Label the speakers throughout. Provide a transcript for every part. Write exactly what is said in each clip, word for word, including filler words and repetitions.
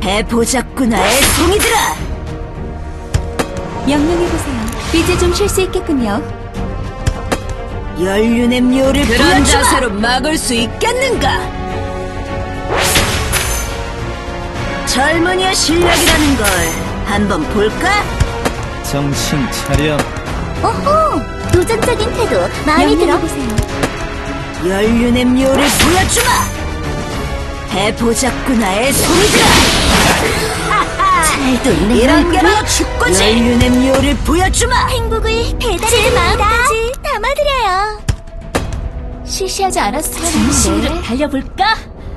Speaker 1: 해보자꾸나, 애송이들아!
Speaker 2: 명령해보세요. 이제 좀 쉴 수 있겠군요.
Speaker 1: 연륜의 묘를
Speaker 2: 그런
Speaker 1: 보여주마!
Speaker 2: 자세로
Speaker 1: 막을 수 있겠는가? 젊은이의 실력이라는 걸 한번 볼까?
Speaker 3: 정신 차려.
Speaker 4: 오호! 도전적인 태도 마음에 들어.
Speaker 2: 명령해보세요.
Speaker 1: 연륜의 묘를 보여주마! 해보자꾸나, 애송이들아!
Speaker 4: 잘 돌네.
Speaker 1: 이런 게 바로 축구지! 연륜의 묘를 보여주마!
Speaker 4: 행복을 배달해 마음까지 담아드려요.
Speaker 2: 실시하지 않았어요.
Speaker 1: 진심으로 달려볼까?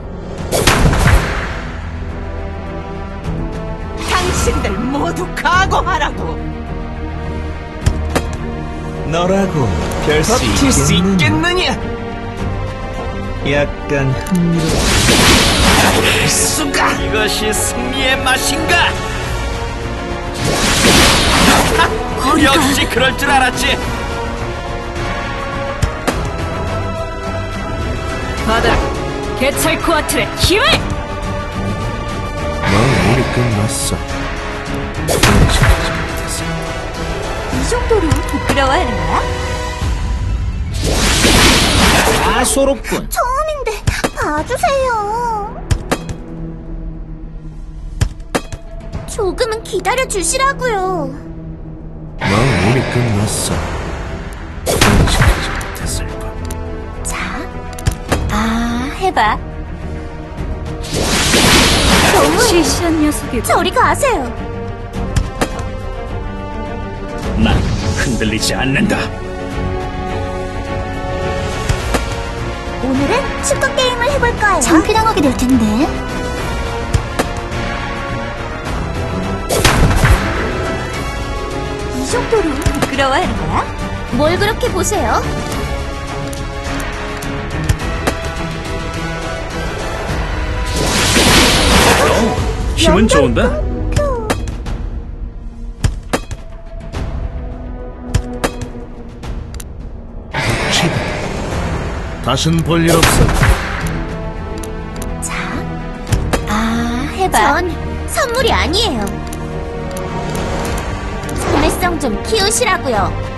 Speaker 1: 당신들 모두 각오하라고!
Speaker 3: 너라고 별 수
Speaker 5: 버틸 수
Speaker 3: 있겠느냐?
Speaker 5: 있겠느냐?
Speaker 3: 약간 흥미로워.
Speaker 5: 수가! 이것이 승리의 맛인가? 역시 그럴 줄 알았지.
Speaker 2: 받아라. 개찰코아틀의 힘을!
Speaker 3: 넌 이미 끝났어. 분해시키지 못했어.
Speaker 4: 이 정도로 부끄러워하는 거야?
Speaker 5: 다소롭군.
Speaker 4: 처음인데 봐주세요. 조금은 기다려 주시라고요.
Speaker 3: 넌 이미 끝났어. 분해시키지 못했을 뿐.
Speaker 4: 자, 아 해봐. 너무
Speaker 2: 시시한 녀석이고.
Speaker 4: 저리 가세요.
Speaker 5: 난 흔들리지 않는다.
Speaker 4: 오늘은 축구 게임을 해볼 거예요. 창피당하게 될 텐데. 이 정도로 부끄러워하는 거야? 뭘 그렇게 보세요?
Speaker 5: 힘은 좋은데? 다신 볼 일 없어.
Speaker 4: 자, 아 해봐. 전 선물이 아니에요. 참을성 좀 키우시라고요.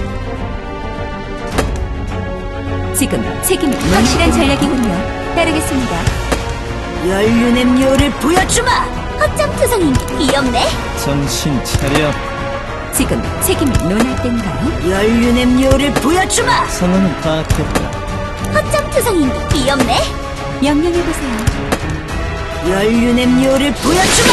Speaker 2: 지금 책임이 확실한 전략이군요. 따르겠습니다.
Speaker 1: 연륜의 묘를 보여주마!
Speaker 4: 허점 투성이 귀엽네.
Speaker 3: 정신 차려.
Speaker 2: 지금 책임이 논할 때인가요?
Speaker 1: 연륜의 묘를 보여주마!
Speaker 3: 선언은 파악했다.
Speaker 4: 허점 투성이 귀엽네.
Speaker 2: 명령해보세요.
Speaker 1: 연륜의 묘를 보여주마!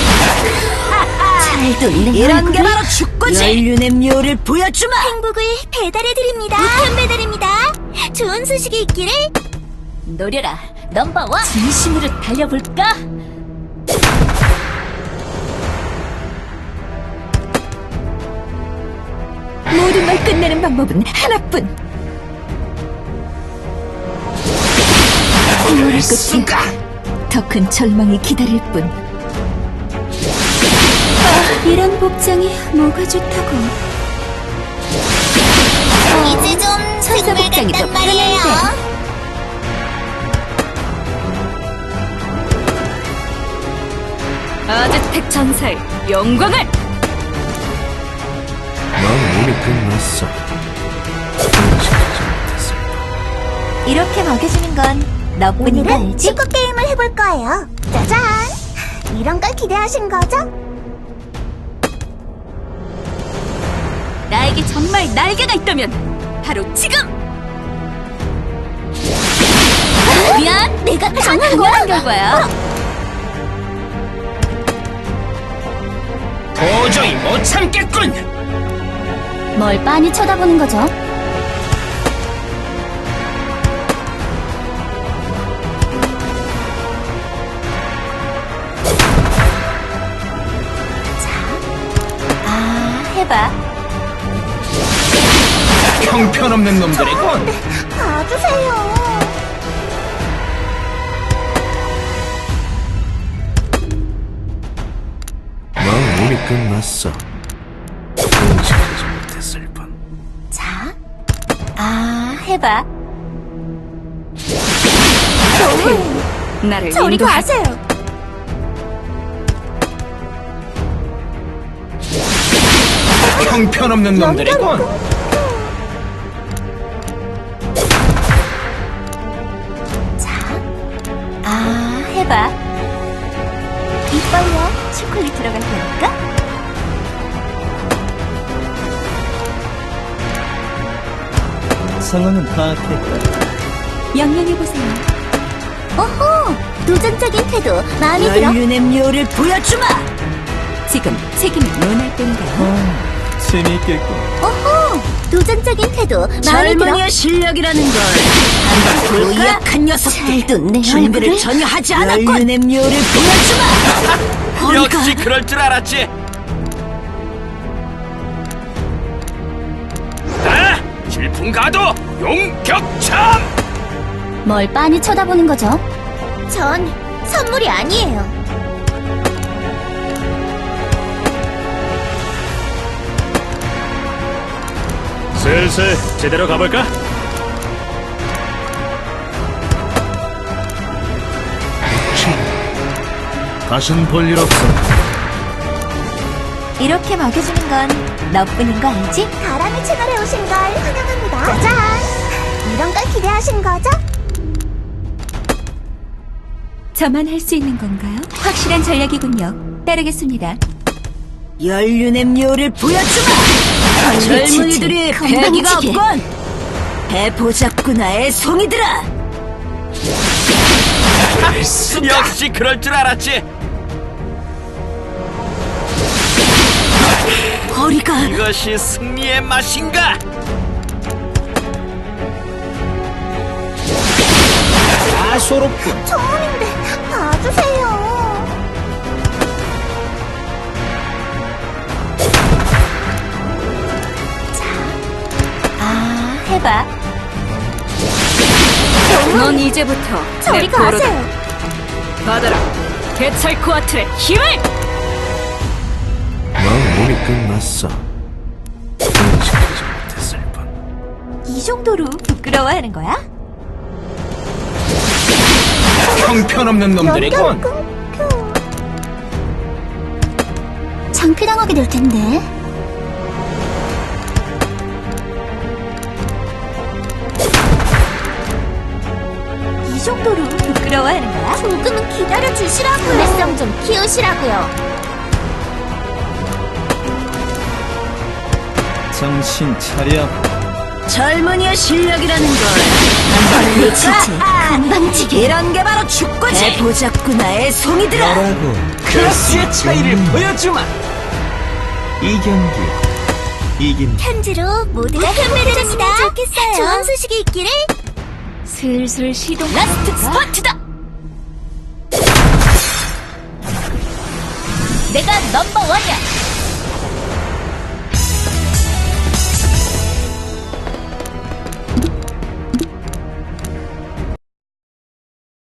Speaker 4: 잘 돌네.
Speaker 1: 이런 게 바로 축구지! 연륜의 묘를 보여주마!
Speaker 4: 행복을 배달해드립니다. 우편 배달입니다. 좋은 소식이 있기를.
Speaker 1: 노려라, 넘버원!
Speaker 2: 진심으로 달려볼까? 모든 걸 끝내는 방법은 하나뿐. 세월의 끝에 더 큰 절망이 기다릴 뿐. 아, 이런 복장이 뭐가 좋다고.
Speaker 4: 이제 좀
Speaker 2: 천사 복장이 더 편한데. 아즈텍 전사의 영광을!
Speaker 3: 넌 이미 끝났어. 분해시키지 못했을 뿐.
Speaker 4: 이렇게 먹여주는 건 너뿐이다. 오늘은 축구 게임을 해볼 거예요. 짜잔! 이런 걸 기대하신 거죠?
Speaker 2: 나에게 정말 날개가 있다면 바로 지금!
Speaker 4: 미안, 내가 당한
Speaker 2: 당연한
Speaker 4: 거야.
Speaker 2: 결과야.
Speaker 5: 도저히 못 참겠군.
Speaker 4: 뭘 빤히 쳐다보는 거죠? 아, 해봐.
Speaker 5: 형편없는 놈들이군.
Speaker 4: 봐주세요.
Speaker 3: 넌 이미 끝났어. 분해시키지 못했을 뿐.
Speaker 4: 자, 아, 해봐.
Speaker 2: 나를
Speaker 4: 저리
Speaker 2: 인도하...
Speaker 4: 가세요.
Speaker 5: 형편없는 놈들이군.
Speaker 2: 아, 해봐. 이빨로 초콜릿 들어갈 테니까.
Speaker 3: 상황은 파악했다.
Speaker 2: 명령해보세요.
Speaker 4: 오호, 도전적인 태도 마음에 들어.
Speaker 1: 연륜의 묘를 보여주마.
Speaker 2: 지금 책임을 논할 때인가요?
Speaker 3: 재미있겠군.
Speaker 4: 오호, 도전적인 태도 마음에 들어.
Speaker 1: 젊은이의 실력이라는 걸 한번 볼까? 약한 녀석들도
Speaker 2: 내
Speaker 1: 준비를
Speaker 2: 얼굴을?
Speaker 1: 전혀 하지 않았군. 연륜의 묘를 보여주마.
Speaker 5: 역시 그럴 줄 알았지. 나 질풍가도 용격참.
Speaker 4: 뭘 빤히 쳐다보는 거죠? 전 선물이 아니에요.
Speaker 5: 슬슬 제대로 가볼까? 다신 볼 일 없어.
Speaker 2: 이렇게 먹여주는 건 너뿐인 거 알지?
Speaker 4: 가람이 채널에 오신 걸 환영합니다. 짜잔! 이런 걸 기대하신 거죠?
Speaker 2: 저만 할 수 있는 건가요? 확실한 전략이군요. 따르겠습니다.
Speaker 1: 연륜의 묘를 보여주마. 젊은이들이
Speaker 2: 건방지게.
Speaker 1: 패기가 없건. 해보자꾸나 애송이들아.
Speaker 5: 역시 그럴 줄 알았지.
Speaker 1: 허리가
Speaker 5: 이것이 승리의 맛인가? 다소롭군.
Speaker 4: 처음인데 봐주세요.
Speaker 2: 아, 해봐. 넌 이제부터
Speaker 4: 저리
Speaker 2: 내 포로다.
Speaker 4: 가세요.
Speaker 1: 받아라. 개찰코아틀의 힘을.
Speaker 3: 넌 몸이 끝났어. 인식하지 못했을 뿐.
Speaker 2: 이 정도로 부끄러워하는 거야?
Speaker 5: 형편없는 놈들이군.
Speaker 4: 끊겨. 창피당하게 될 텐데.
Speaker 2: 이 정도로 부끄러워하는 거야?
Speaker 4: 조금은 기다려 주시라고요. 불매성 좀 키우시라고요.
Speaker 3: 정신 차려.
Speaker 1: 젊은이의 실력이라는 걸 한번 볼까?
Speaker 2: 건방지게.
Speaker 1: 이런 게 바로 축구지. 해보자꾸나 애송이들아.
Speaker 3: 뭐라고?
Speaker 5: 클래스의 차이를 보여주마.
Speaker 3: 이 경기 이긴.
Speaker 4: 편지로 모두가 현명해졌으면 좋겠어요. 좋은 소식이 있기를.
Speaker 2: 슬슬 시동.
Speaker 1: 라스트 스파트다. 내가 넘버 원이야.